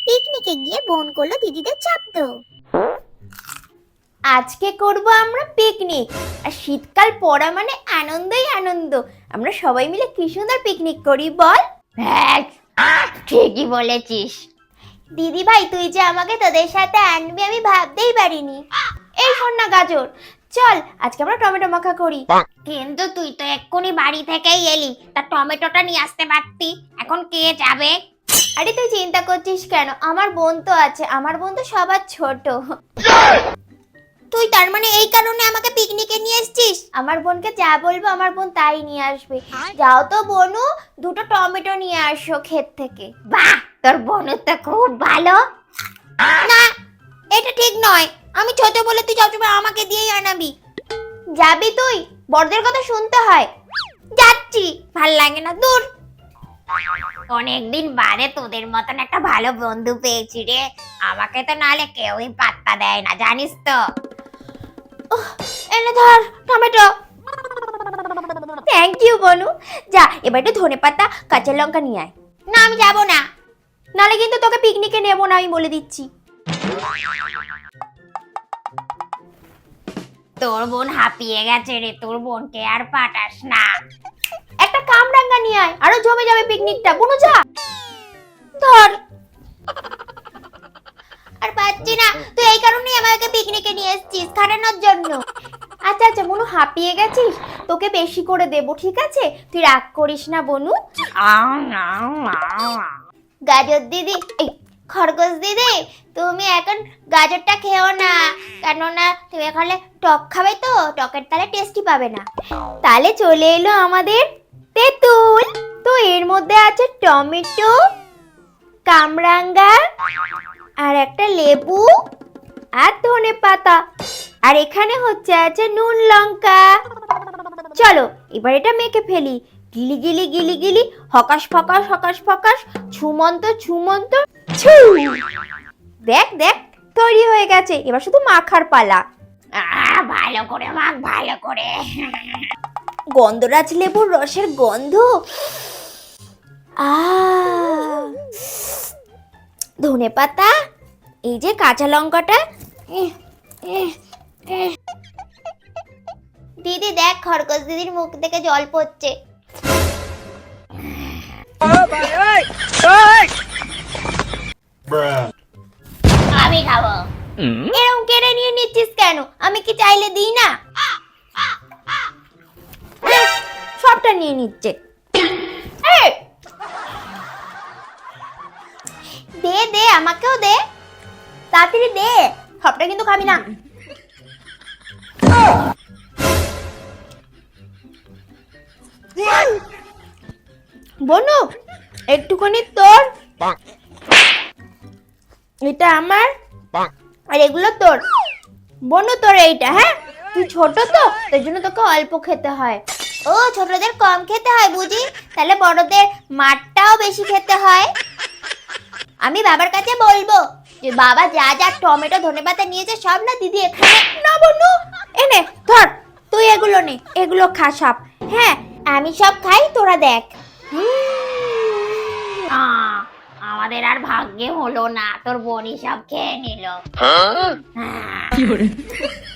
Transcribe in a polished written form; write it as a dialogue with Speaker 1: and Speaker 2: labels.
Speaker 1: পিকনিকে গিয়ে বোন করলো দিদিদের চাপ।
Speaker 2: আজকে করব আমরা পিকনিক। আর শীতকাল পড়া মানে আনন্দই আনন্দ। আমরা সবাই মিলে কি সুন্দর পিকনিক করি বল।
Speaker 1: হ্যাঁ, ঠিকই বলেছিস।
Speaker 2: দিদি ভাই, তুই যে আমাকে তোদের সাথে আনবি আমি ভাবতেই পারিনি। এই শোন না গাজর, চল আজকে আমরা টমেটো মাখা করি।
Speaker 1: কিন্তু তুই তো এক্ষুনি বাড়ি থেকেই এলি, তা টমেটোটা নিয়ে আসতে পারতি। এখন কে যাবে?
Speaker 2: আরে তুই চিন্তা করছিস কেন, আমার বোন তো আছে, আমার বোন তো সবার ছোট।
Speaker 1: তুই তার মানে এই কারণে আমাকে পিকনিকে নিয়ে এসেছিস?
Speaker 2: আমার বোনকে যা বলবো আমার বোন তাই নিয়ে আসবে। যাও তো বনু, দুটো টমেটো নিয়ে আসো ক্ষেত থেকে।
Speaker 1: বাহ, তোর বোন তো খুব ভালো। না, এটা ঠিক নয়। আমি ছোট বলে তুই সবসময় আমাকে দিয়েই আনাবি।
Speaker 2: যাবি তুই? বড়দের কথা শুনতে হয়।
Speaker 1: যাচ্ছি, ভাল লাগে না, দূর। অনেকদিন বাদে তোদের মতন একটা ভালো বন্ধু পেয়েছি রে। আমাকে তো নালে কেউই পাত্তা দেয় না, জানিস তো।
Speaker 2: এনে ধর টমেটো। থ্যাংক ইউ বনু। যা এবার একটু ধনেপাতা কাঁচা লঙ্কা নিয়ে আয়।
Speaker 1: না, আমি যাব না।
Speaker 2: নালে কিন্তু তোকে পিকনিকে নেবো না, আমি বলে দিচ্ছি।
Speaker 1: তোর বোন হাঁপিয়ে গেছে রে, তোর বোনকে আর পাঠাস না।
Speaker 2: একটা কামরাঙ্গা নিয়ে আয়, আরো জমে যাবে পিকনিকটা। বনু যা ধর।
Speaker 1: আর পাচ্ছি না, তুই এই কারণেই আমাকে পিকনিকে নিয়ে এসেছিস, খাটানোর জন্য।
Speaker 2: আচ্ছা আচ্ছা বনু, হাঁপিয়ে গেছিস, তোকে বেশি করে দেবো, ঠিক আছে? তুই রাগ করিস না বনু।
Speaker 1: গাজর দিদি, এই খরগোশ দিদি, তুমি এখন গাজরটা খেও না, কেননা তুমি এখানে টক খাবে তো, টকের তালে টেস্টি পাবে না।
Speaker 2: তাহলে চলে এলো আমাদের তেঁতুল। তো এর মধ্যে আছে টমেটো, কামরাঙ্গা, আর একটা লেবু, আর ধনেপাতা, আর এখানে হচ্ছে আছে নুন লঙ্কা। চলো এবার এটা মেখে ফেলি। গিলি গিলি গিলি গিলি, হকাশ ফকাশ হকাশ ফকাশ, ছুমন্ত ছুমন্ত ছু। দেখ দেখ, তৈরি হয়ে গেছে, এবার শুধু মাখার পালা।
Speaker 1: ভালো করে মাখ, ভালো করে।
Speaker 2: গন্ধরাজ লেবুর রসের গন্ধ। ধনেপাতা, এই যে কাঁচা লঙ্কাটা।
Speaker 1: দিদি দেখ, খরগোশ দিদির মুখ থেকে জল পড়ছে। আমি খাবো।
Speaker 2: এরকম কেড়ে নিয়ে নিচ্ছিস কেন? আমি কি চাইলে দিই না? সবটা নিয়ে নিচ্ছে। এই,
Speaker 1: দে দে, আমাকেও দে।
Speaker 2: তাড়াতাড়ি দে, সবটা কিন্তু খাবি না। বনু, একটুখানি তোর, এটা আমার, আর এগুলো তোর। বনু তোর এইটা, হ্যাঁ? তুই ছোট তো, তাই জন্য তোকে অল্প খেতে হয়।
Speaker 1: ও, ছোটদের কম খেতে হয় বুঝি, তাহলে বড়দের মাঠটাও বেশি খেতে হয়। আমি বাবার কাছে বলবো যে বাবা যা যা টমেটো ধনেপাতা নিয়েছে সব না দিদি এখানে।
Speaker 2: না বনু, এনে ধর, তুই এগুলো নে, এগুলো খা সব। হ্যাঁ,
Speaker 1: আমি সব খাই, তোরা দেখ। আমাদের আর ভাগ্যে হলো না, তোর বোনই সব খেয়ে নিল।